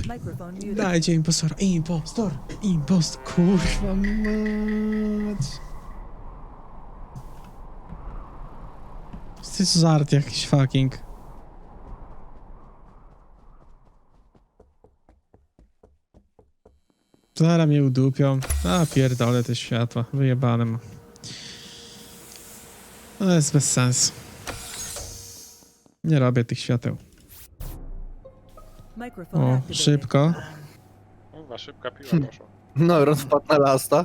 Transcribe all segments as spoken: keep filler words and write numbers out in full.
Microphone muted. Dajcie impostora. Impostor. Impostor. Kurwa mać. To jest żart jakiś fucking. Zaraz mnie udupią. A pierdolę te światła. Wyjebane mam. To jest bez sensu. Nie robię tych świateł. Microphone O, activated. szybko. Kurwa, szybka piła poszła. No, Ron wpadł na lasta.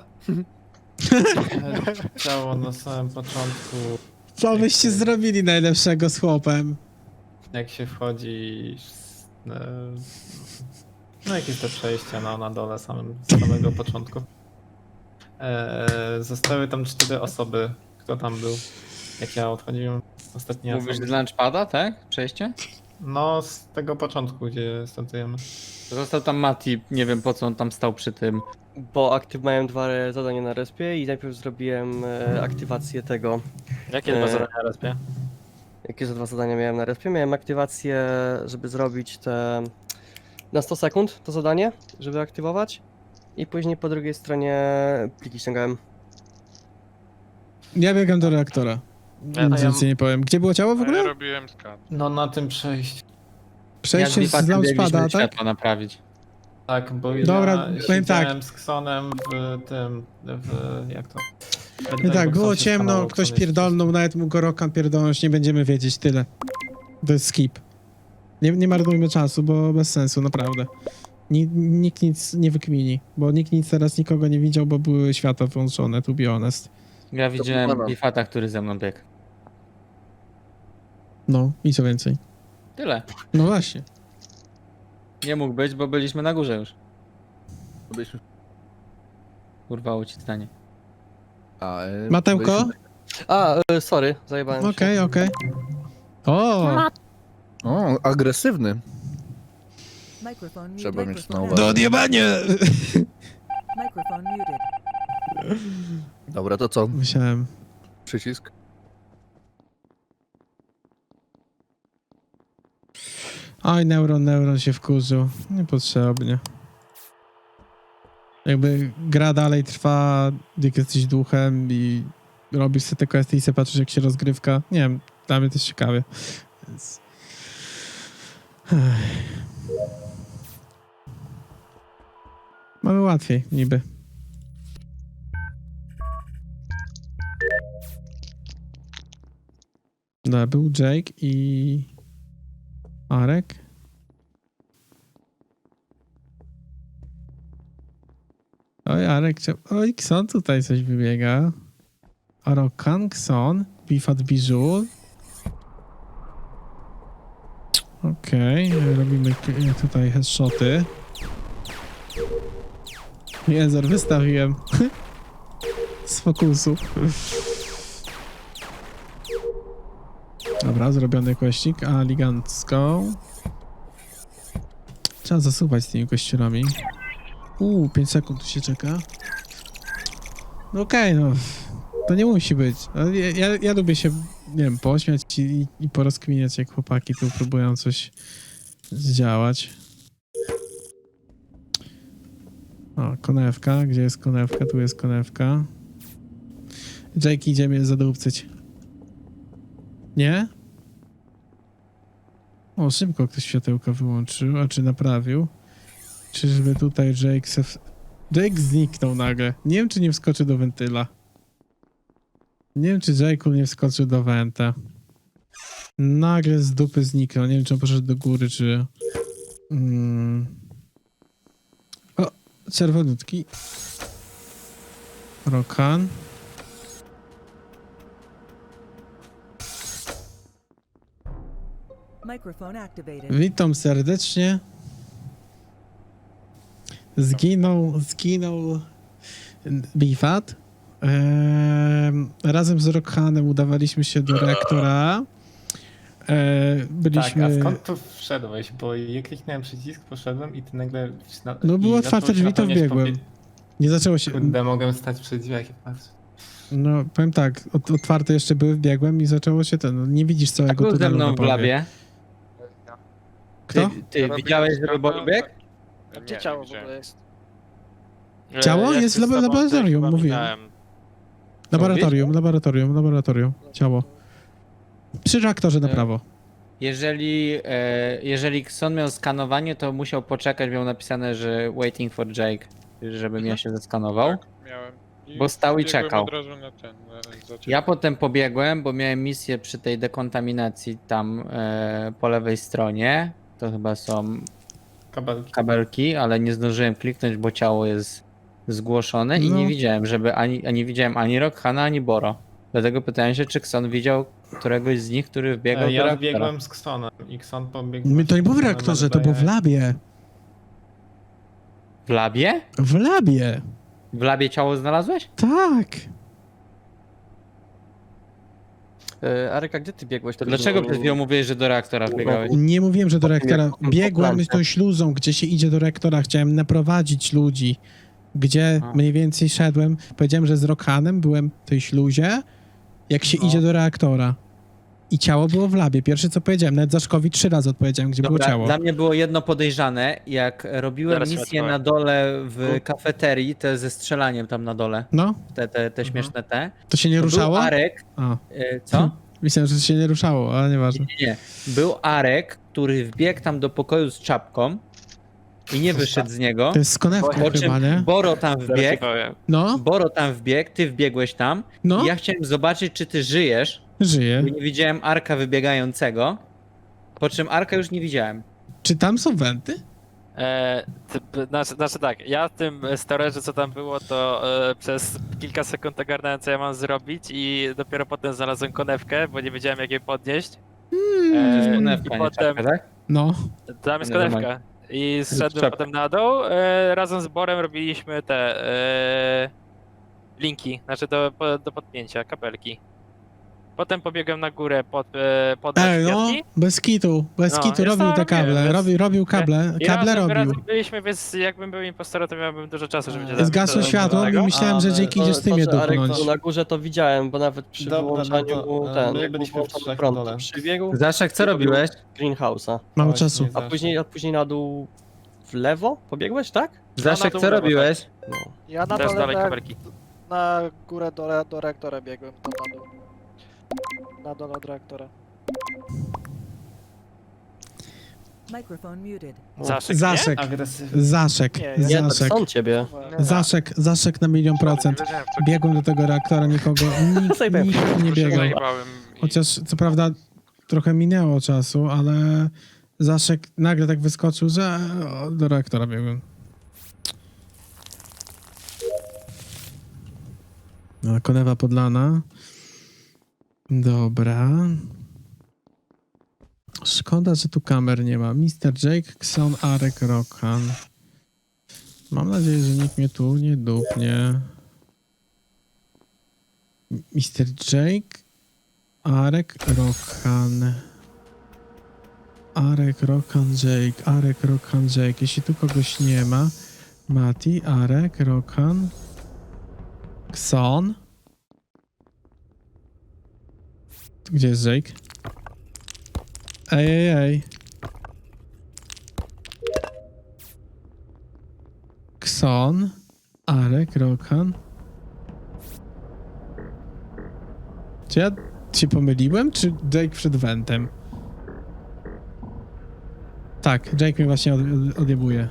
Ciało na samym początku, Co byście zrobili najlepszego z chłopem? jak się wchodzi... z- e, No jakieś te przejścia no, na dole samym, z samego początku. E, zostały tam cztery osoby. Kto tam był? Jak ja odchodziłem ostatni raz. Mówisz z lunchpada, tak? Przejście? No z tego początku, gdzie startujemy. Został tam Mati, nie wiem po co on tam stał przy tym. Bo aktyw miałem dwa zadania na respie i najpierw zrobiłem e, aktywację tego. Jakie E, dwa zadania na respie? Jakie za dwa zadania miałem na respie? Miałem aktywację, żeby zrobić te na sto sekund to zadanie, żeby aktywować. I później po drugiej stronie pliki ściągałem. Ja biegam do reaktora. Ja- Nic ja- więcej nie powiem. Gdzie było ciało w A ja ogóle? robiłem skan. No na tym przejściu. Przejście Ja z Bifatem biegliśmy launchpada, tak? światła naprawić. Tak, bo Dobra, ja powiem tak. siedziałem z Ksonem w tym, w... jak to? No tak, Bo było Kson się ciemno, skanował, ktoś Kson jest- pierdolnął, nawet mógł go Rokan pierdolnąć, nie będziemy wiedzieć, tyle. To jest skip. Nie, nie marnujmy czasu, bo bez sensu, naprawdę. Ni, nikt nic nie wykmini, bo nikt nic teraz nikogo nie widział, bo były światła włączone, to be honest. Ja widziałem pana. Bifata, który ze mną biegł. No, i co więcej. Tyle. No właśnie. Nie mógł być, bo byliśmy na górze już. Byliśmy- Urwało ci zdanie. A, e, Matełko? byliśmy- A, e, sorry, zajebałem Okej, się. okej. O! O, agresywny. Microphone muted. Trzeba mieć Microphone na activated. uwadze. Do odjebania! Microphone muted. Dobra, to co? Musiałem. Przycisk. Oj, Neuron, Neuron się wkurzył. Niepotrzebnie. Jakby gra dalej trwa, jak jesteś duchem i robisz sobie te questy i sobie patrzysz, jak się rozgrywka. Nie wiem, dla mnie to jest ciekawie. Więc... Ech. Mamy łatwiej, niby. No, był Jake i Arek. Oj, Arek, chcia- oj, Kson tutaj coś wybiega. Arokan, Kson, Bifat Bijul. Okej, robimy k- tutaj headshoty. Jezer, wystawiłem. Z fokusu. Dobra, zrobiony kościk, elegancko. Trzeba zasuwać z tymi kościerami. Uuu, pięć sekund tu się czeka. No okej, no. To nie musi być. Ale Ja, ja, ja lubię się, nie wiem, pośmiać i, i porozkminiać, jak chłopaki tu próbują coś zdziałać. O, konewka. Gdzie jest konewka? Tu jest konewka. Jake, idziemy zadupcyć. Nie? O, szybko ktoś światełka wyłączył, a czy naprawił? Czyżby tutaj Jake se... w- Jake zniknął nagle. Nie wiem, czy nie wskoczy do wentyla. Nie wiem, czy Jake nie wskoczył do wenta. Nagle z dupy zniknął. Nie wiem, czy on poszedł do góry, czy... Mm. O, czerwonutki. Rokan. Microphone activated. Witam serdecznie. Zginął, zginął Bifat. Ehm, razem z Rockhanem udawaliśmy się do reaktora. Eee, Tak, byliśmy... a skąd tu wszedłeś? Bo ja kliknąłem przycisk, poszedłem i ty nagle... Na, No i było zaczął otwarte się drzwi, to napełniać wbiegłem. powie- Nie zaczęło się... Kurde, mogłem stać przy drzwiach i patrzeć. No, powiem tak, ot- otwarte jeszcze były, wbiegłem i zaczęło się ten... No, nie widzisz A całego był ze tunelu na mną w bombie. labie. Ty, Kto? ty widziałeś, żeby Boli biegł? Nie, Gdzie nie ciało w widziałem. ogóle jest? Ciało E, ja jest się w z tobą laboratorium, też chyba mówiłem. minąłem. Laboratorium, laboratorium, laboratorium. Ciało. Przy reaktorze na E, prawo. Jeżeli, e, jeżeli Xon miał skanowanie, to musiał poczekać, miał napisane, że waiting for Jake, żebym ja się zeskanował. Tak, miałem. I Bo stał i biegłem czekał. od razu na ten, na, za ciebie. Ja potem pobiegłem, bo miałem misję przy tej dekontaminacji tam e, po lewej stronie. To chyba są Kabelki. kabelki, ale nie zdążyłem kliknąć, bo ciało jest zgłoszone i No. nie widziałem, żeby ani, ani widziałem ani Rokhana, ani Boro. Dlatego pytałem się, czy Xon widział któregoś z nich, który wbiegał E, do Ja reaktora. biegłem z Ksonem i Kson pobiegł... My to nie było w na reaktorze, to było w medbaye. labie. W labie? W labie. W labie ciało znalazłeś? Tak. E, Arek, a gdzie ty biegłeś? To później? dlaczego przed chwilą mówiłeś, że do reaktora wbiegałeś? Nie mówiłem, że do reaktora. jak- Biegłem po tą śluzą, gdzie się idzie do reaktora. Chciałem naprowadzić ludzi. Gdzie A. mniej więcej szedłem. Powiedziałem, że z Rokhanem byłem w tej śluzie, jak się No. idzie do reaktora. I ciało było w labie. Pierwsze co powiedziałem, nawet Zaszkowi trzy razy odpowiedziałem, gdzie było Dobra, ciało. dla mnie było jedno podejrzane, jak robiłem Zaraz się misję odwołam. na dole w kafeterii, te ze strzelaniem tam na dole, No, te, te, te śmieszne te. to się nie to ruszało? Był Arek, A, e, co? myślałem, że to się nie ruszało, ale nieważne. Nie, nie. Był Arek, który wbiegł tam do pokoju z czapką i nie wyszedł z niego. To jest z konewką Po chyba, czym nie? Boro tam Zaraz ci wbiegł, powiem. No, Boro tam wbiegł, ty wbiegłeś tam no, i ja chciałem zobaczyć, czy ty żyjesz, żyje. bo nie widziałem Arka wybiegającego, po czym Arka już nie widziałem. Czy tam są wenty? E, ty, znaczy, znaczy tak, ja w tym storage'u co tam było, to e, przez kilka sekund ogarnąłem co ja mam zrobić i dopiero potem znalazłem konewkę, bo nie wiedziałem jak jej podnieść. E, Konewka, I nie potem, czapka, tak? No. tam jest Nie, normalnie. konewka. I zszedłem czapka. potem na dół, e, razem z Borem robiliśmy te e, linki, znaczy do, po- do podpięcia, kapelki. Potem pobiegłem na górę pod, e, pod Ej, no, kwiatki. bez kitu, bez No, kitu, ja robił sam te kable, robiłem, więc- robił, robił kable, I kable razem, robił. razem byliśmy, więc jakbym był impostorem, to miałbym dużo czasu, żeby cię Zgasło zabić. światło i Tego. myślałem, że Ale Jake idzie z To, tym je to, że Arek dupnąć. był na górze to widziałem, bo nawet przy Dobra, no wyłączaniu to, e, ten, my jak byliśmy był w trzech włączony na prąd, dole. to przybiegł Zaszek, co robiłeś? greenhouse'a. Mało Właśnie, czasu. A później, a później na dół w lewo pobiegłeś, tak? Zaszek, to co było, robiłeś? No. Ja na Też dole dalej na, kabelki. na górę do, re- do reaktora biegłem, tam na dół. Na dole od reaktora. Microphone muted. Zaszek, Zaszek, Agresywny. Zaszek, Nie, ja- Nie, to Zaszek, są ciebie. Zaszek, Zaszek na milion procent. Nie wiedziałem, co Biegłem do tego reaktora, nikogo, nikt, Zajebałem. nikt nie biegał. zajebałem i- Chociaż co prawda trochę minęło czasu, ale Zaszek nagle tak wyskoczył, że o, do reaktora biegłem. No, konewa podlana. Dobra. Szkoda, że tu kamer nie ma. mister Jake, Xon, Arek, Rokhan. Mam nadzieję, że nikt mnie tu nie dupnie. mister Jake, Arek, Rokhan. Arek, Rokhan, Jake. Arek, Rokhan, Jake. Jeśli tu kogoś nie ma. Mati, Arek, Rokhan. Xon. Gdzie jest Jake? Ej, ej, ej. Xon. Arek, Rokhan. Czy ja się pomyliłem, czy Jake przed wentem? Tak, Jake mnie właśnie od, od, odjebuje.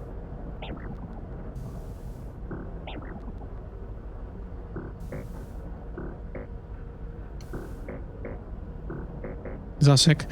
Zaszek.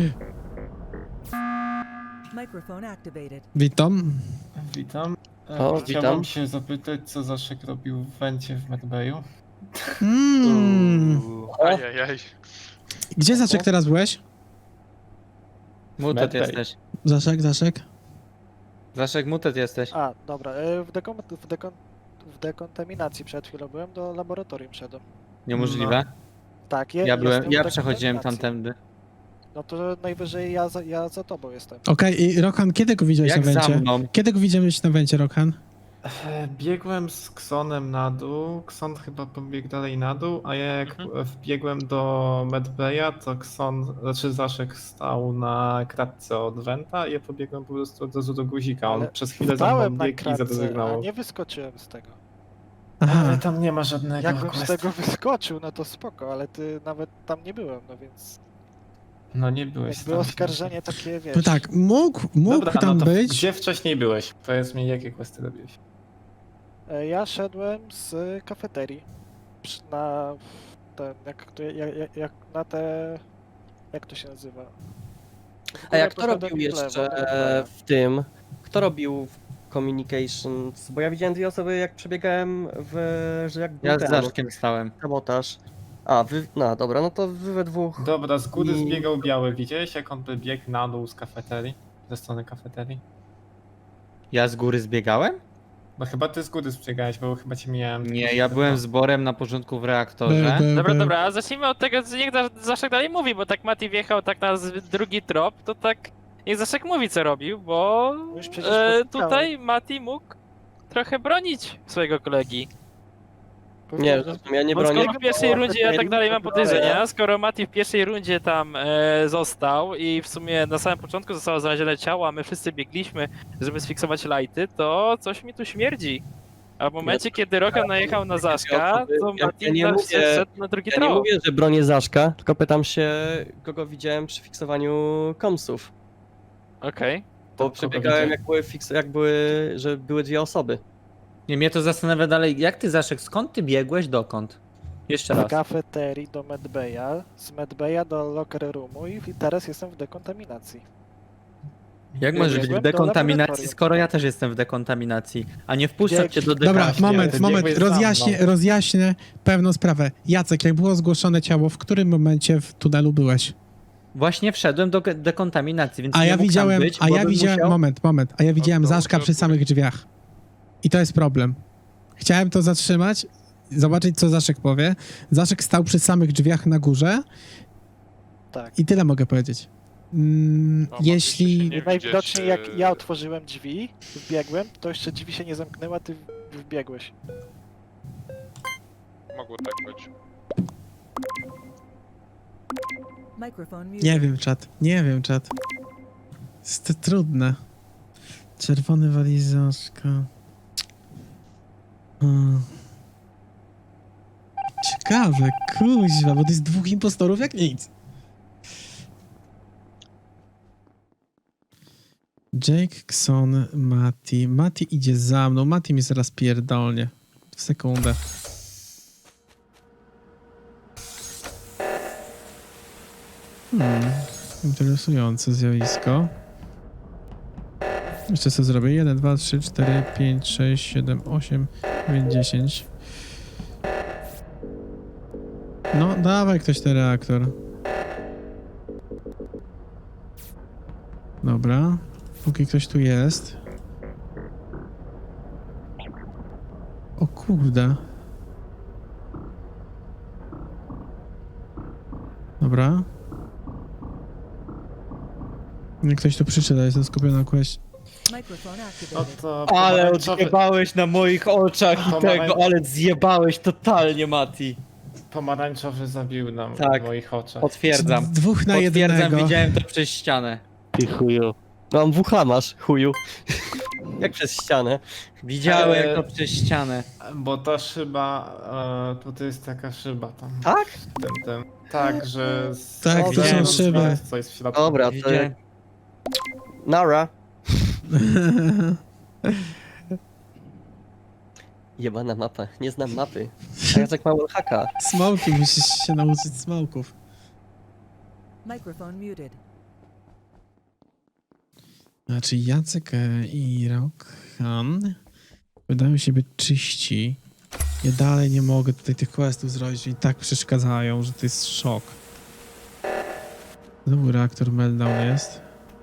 Microphone activated. Witam. Witam. E, O, Chciałbym witam. się zapytać, co Zaszek robił w wencie w medbayu. Mm. Ajajaj. Gdzie Zaszek teraz byłeś? Mutet Medbay. jesteś. Zaszek, Zaszek. Zaszek, mutet jesteś. A, dobra, e, w, dekon, w, dekon, w dekontaminacji przed chwilą byłem, do laboratorium szedłem. Niemożliwe. Tak, je, Ja byłem, jestem ja w przechodziłem dekontaminacji. tamtędy. No to najwyżej ja za, ja za tobą jestem. Okej, i Rokhan, kiedy go widziałeś Jak na za wencie? mną? Kiedy go widziałeś na wencie, Rokhan? E, Biegłem z Ksonem na dół, Kson chyba pobiegł dalej na dół, a ja jak Mhm. wbiegłem do Medbaya, to Kson, znaczy Zaszek stał na kratce od Wenta i ja pobiegłem po prostu od razu do guzika. On Ale przez chwilę za Stałem mną na biegł i kratce, a zadezygnował. nie wyskoczyłem z tego. Aha, Ale tam nie ma żadnego Jakbym z questa. tego wyskoczył, no to spoko, ale ty nawet tam nie byłem, no więc No nie byłeś jakby tam. oskarżenie takie, wiesz... no tak, mógł, mógł Dobra, tam no to być. gdzie wcześniej byłeś? Powiedz mi, jakie questy robiłeś? E, Ja szedłem z kafeterii przy- na ten, jak, to- jak, jak, jak na te... jak to się nazywa? W A jak górę kto poszedłem robił i w lewo, jeszcze tak, e, tak. w tym? Kto robił w Communications? Bo ja widziałem dwie osoby, jak przebiegałem w... że jak był Ja z ten Zaszkiem stałem. sabotaż. A, wy... no dobra, no to wy we dwóch... Dobra, z góry I- zbiegał biały. Widziałeś, jak on by biegł na dół z kafeterii? Ze strony kafeterii? Ja z góry zbiegałem? No chyba ty z góry zbiegałeś, bo chyba cię mijałem. Nie, ja byłem z Borem na porządku w reaktorze. Be, be, Dobra, be. dobra, a zacznijmy od tego, co niech Za- Zaszek dalej mówi, bo tak Mati wjechał tak na z- drugi trop, to tak niech Zaszek mówi, co robił, bo Już przecież e, powiedziałem. tutaj Mati mógł trochę bronić swojego kolegi. Nie, zresztą ja nie Bo bronię. skoro w pierwszej rundzie ja tak dalej mam podejrzenia, skoro Mati w pierwszej rundzie tam e, został i w sumie na samym początku zostało znalezione ciało, a my wszyscy biegliśmy, żeby sfiksować lighty, to coś mi tu śmierdzi. A w momencie, kiedy Rokan najechał na Zaszka, to Ja- Mati ja nie ja mówię- szedł na drugi Ja nie trop. mówię, że bronię Zaszka, tylko pytam się, kogo widziałem przy fiksowaniu komsów. Okej. Bo kogo przebiegałem widziałeś? jak były, fiks... jak były, że były dwie osoby. Nie, mnie to zastanawia dalej, jak ty Zaszek, skąd ty biegłeś, dokąd? Jeszcze Z raz. kafeterii do Medbaya, z Medbaya do locker roomu i teraz jestem w dekontaminacji. Jak możesz być w Biegłem do dekontaminacji, laboratorium. skoro ja też jestem w dekontaminacji, a nie wpuszczać cię do Dobra, dekontaminacji? moment, ty moment, biegłeś za rozjaśnię, mną. rozjaśnię pewną sprawę. Jacek, jak było zgłoszone ciało, w którym momencie w tunelu byłeś? Właśnie wszedłem do ge- dekontaminacji, więc A nie ja mógł tam widziałem, być, a bo ja bym widziałem, musiał... moment, moment, a ja widziałem to Zaszka muszę przy samych drzwiach. I to jest problem. Chciałem to zatrzymać, zobaczyć co Zaszek powie. Zaszek stał przy samych drzwiach na górze Tak. i tyle mogę powiedzieć. Mm, No, jeśli... mogliście się I nie najwidoczniej widzieć, jak e, ja otworzyłem drzwi, wbiegłem, to jeszcze drzwi się nie zamknęły, a ty wbiegłeś. Mogło tak być. Microphone muted. Nie wiem, czat. Nie wiem, czat. Jest to trudne. Czerwony walizaszka. Hmm. Ciekawe, kuźwa, bo to jest dwóch impostorów jak nic. Jake, Kson, Mati. Mati idzie za mną. Mati mi zaraz pierdolnie. W sekundę. Hmm. Interesujące zjawisko. Jeszcze co zrobię? jeden, dwa, trzy, cztery, pięć, sześć, siedem, osiem, dziewięć, dziesięć. No, dawaj ktoś ten reaktor. Dobra. Póki ktoś tu jest. O kurde. Dobra. Niech ktoś tu przyszedł, a jestem skupiony na quest. Microphone No activated. to Ale pomarańczowy, odjebałeś na moich oczach i Pomarań- tego, ale zjebałeś totalnie, Mati. pomarańczowy zabił nam Tak. w moich oczach. Potwierdzam. Z dwóch na Potwierdzam, jednego. widziałem to przez ścianę. Ty chuju. Mam W H masz, chuju. Jak przez ścianę. Widziałem Eee. to przez ścianę. Bo ta szyba, e, tutaj jest taka szyba tam. Tak? W tym, tym. Tak, że... z- Tak, to są zewnątrz szyby. jest coś w środku. Dobra, to Widziałem. Nara. Jebana mapa, nie znam mapy. A Jacek ma wallhacka. Smoki, musisz się nauczyć smoków. Microphone muted. Znaczy Jacek e, i Rokan wydają się być czyści. Ja dalej nie mogę tutaj tych questów zrobić i tak przeszkadzają, że to jest szok. Znowu reaktor meltdown jest.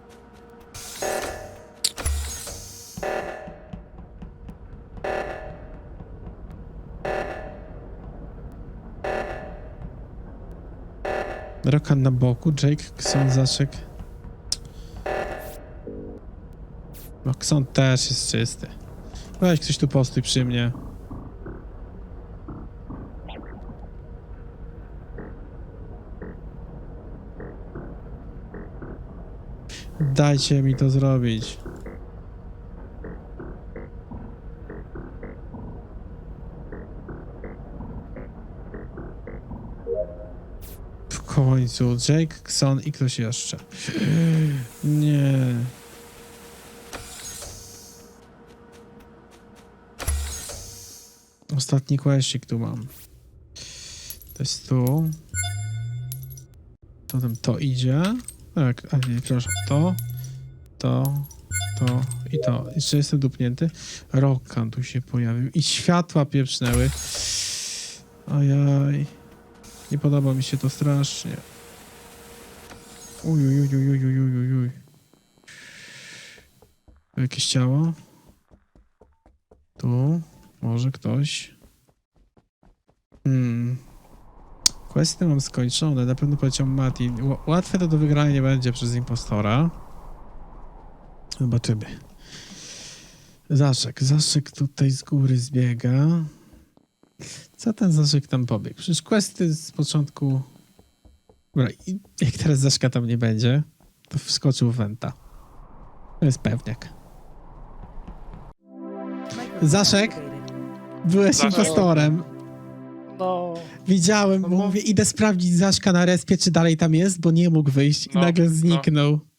Rokan na boku, Jake, Kson, Zaszek. No, Kson też jest czysty. Weź ktoś tu postój przy mnie. Dajcie mi to zrobić. W końcu Jake, Xon i ktoś jeszcze. Nie. Ostatni questik tu mam. To jest tu. Potem to idzie. Tak, a nie, przepraszam. To, to, to i to. Jeszcze jestem dupnięty. Rokkan tu się pojawił. I światła pieprznęły. Ojaj. Nie podoba mi się to strasznie. Uj, uj, uj, uj, uj, uj, uj, uj. Tu jakieś ciało. Tu. Może ktoś. Hmm. Questy mam skończone. Na pewno poleciał Mati. Ł- Łatwe to do wygrania nie będzie przez impostora. Zobaczymy. Zaszek. Zaszek tutaj z góry zbiega. Co ten Zaszek tam pobiegł? Przecież questy z początku... Dobra, i jak teraz Zaszka tam nie będzie, to wskoczył w Wenta. To jest pewniak. Microphone Zaszek? activated. Byłeś Zaszek. impostorem. No, Widziałem, bo No bo- mówię, idę sprawdzić Zaszka na respie, czy dalej tam jest, bo nie mógł wyjść i No, nagle no. zniknął.